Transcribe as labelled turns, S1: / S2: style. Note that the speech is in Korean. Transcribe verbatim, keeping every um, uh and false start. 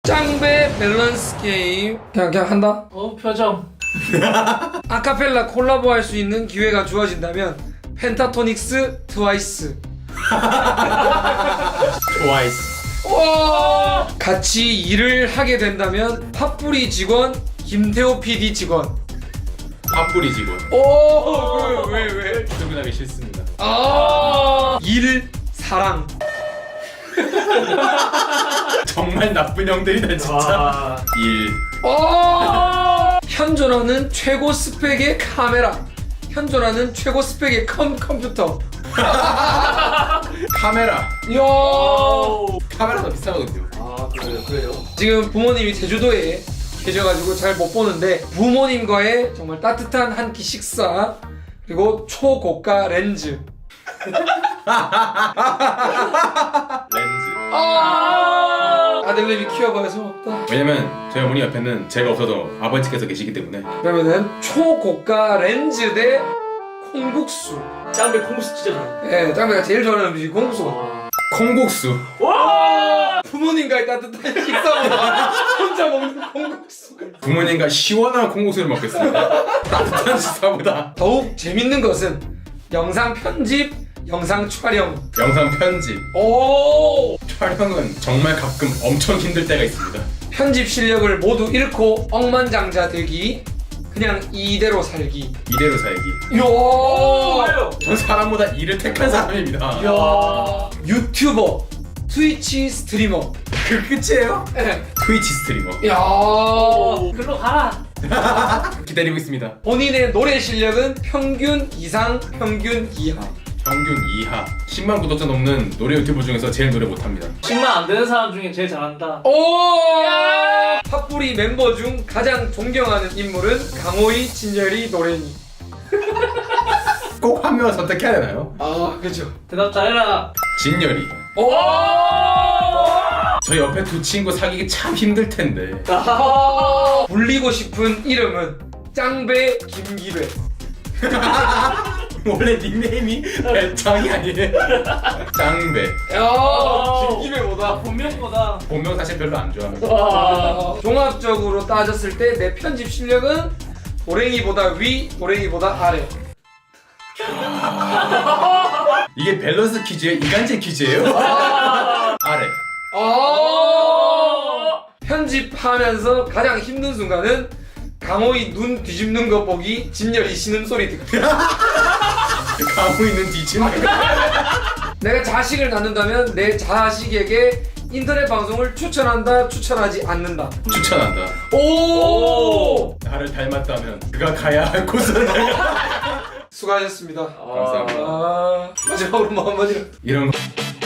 S1: 짱배 밸런스 게임 그냥 그냥 한다?
S2: 어 표정.
S1: 아카펠라 콜라보 할 수 있는 기회가 주어진다면 펜타토닉스 트와이스.
S3: 트와이스.
S1: 와! 같이 일을 하게 된다면 팝뿌리 직원 김태호 피디 직원.
S3: 팝뿌리 직원.
S1: 오! 왜 왜 왜?
S3: 출근하기 싫습니다.
S1: 아! 일 사랑.
S3: 정말 나쁜 형들이다 진짜.
S2: 와.
S3: 일.
S1: 어! 현존하는 최고 스펙의 카메라. 현존하는 최고 스펙의 컴 컴퓨터.
S3: 카메라.
S1: 이야!
S3: 카메라가 비싸거든요.
S2: 아 그래요 그래요.
S1: 지금 부모님이 제주도에 계셔가지고 잘 못 보는데 부모님과의 정말 따뜻한 한 끼 식사 그리고 초고가 렌즈.
S3: 렌즈.
S1: 아! 아들내미 키워봐야 소없다.
S3: 왜냐면 저희 어머니 옆에는 제가 없어도 아버지께서 계시기 때문에.
S1: 그러면은 초고가 렌즈 대 콩국수.
S2: 짱배 콩국수 진짜 잘해.
S1: 예, 짱배가 제일 좋아하는 음식이 콩국수.
S2: 와.
S3: 콩국수.
S2: 와.
S1: 부모님과의 따뜻한 식사보다 혼자 먹는 콩국수.
S3: 부모님과 시원한 콩국수를 먹겠습니다. 따뜻한 식사보다.
S1: 더욱 재밌는 것은 영상 편집, 영상 촬영.
S3: 영상 편집.
S1: 오!
S3: 촬영은 정말 가끔 엄청 힘들 때가 있습니다.
S1: 편집 실력을 모두 잃고 억만장자 되기, 그냥 이대로 살기.
S3: 이대로 살기.
S1: 이야!
S2: 왜요?
S3: 전 사람보다 일을 택한 사람입니다.
S1: 이야! 유튜버, 트위치 스트리머.
S3: 그 끝이에요?
S1: 예.
S3: 트위치 스트리머.
S1: 이야!
S2: 오, 글로 가라.
S3: 기다리고 있습니다.
S1: 본인의 노래 실력은 평균 이상, 평균 이하.
S3: 평균 이하. 십만 구독자 넘는 노래 유튜버 중에서 제일 노래 못합니다.
S2: 십만 안 되는 사람 중에 제일 잘한다.
S1: 오! 팝뿌리 멤버 중 가장 존경하는 인물은 강호이, 진열이, 노래니.
S3: 꼭 한 명을 선택해야 되나요?
S1: 아, 그죠.
S2: 대답 잘해라.
S3: 진열이.
S1: 오!
S3: 저 옆에 두 친구 사귀기 참 힘들 텐데.
S1: 아~ 불리고 싶은 이름은 짱배 김기배.
S3: 원래 닉네임이 배짱이 아니에요. 짱배.
S1: 야,
S2: 오.
S1: 김기배보다.
S2: 본명보다.
S3: 본명 사실 별로 안 좋아합니다.
S2: 와.
S1: 아, 종합적으로 따졌을 때 내 편집 실력은 도랭이보다 위, 도랭이보다 아래.
S3: 이게 밸런스 퀴즈예요? 이간질 퀴즈예요? 아래.
S1: 아~ 편집하면서 가장 힘든 순간은 강호이 눈 뒤집는 거 보기, 진열이 신음 소리 듣기.
S3: 가고 있는 뒤집는.
S1: 내가 자식을 낳는다면 내 자식에게 인터넷 방송을 추천한다, 추천하지 않는다.
S3: 추천한다.
S1: 오!
S3: 나를 닮았다면 그가 가야 할 곳은 내가.
S1: 수고하셨습니다.
S3: 감사합니다.
S1: 아, 마지막으로 뭐 한마디로.
S3: 이런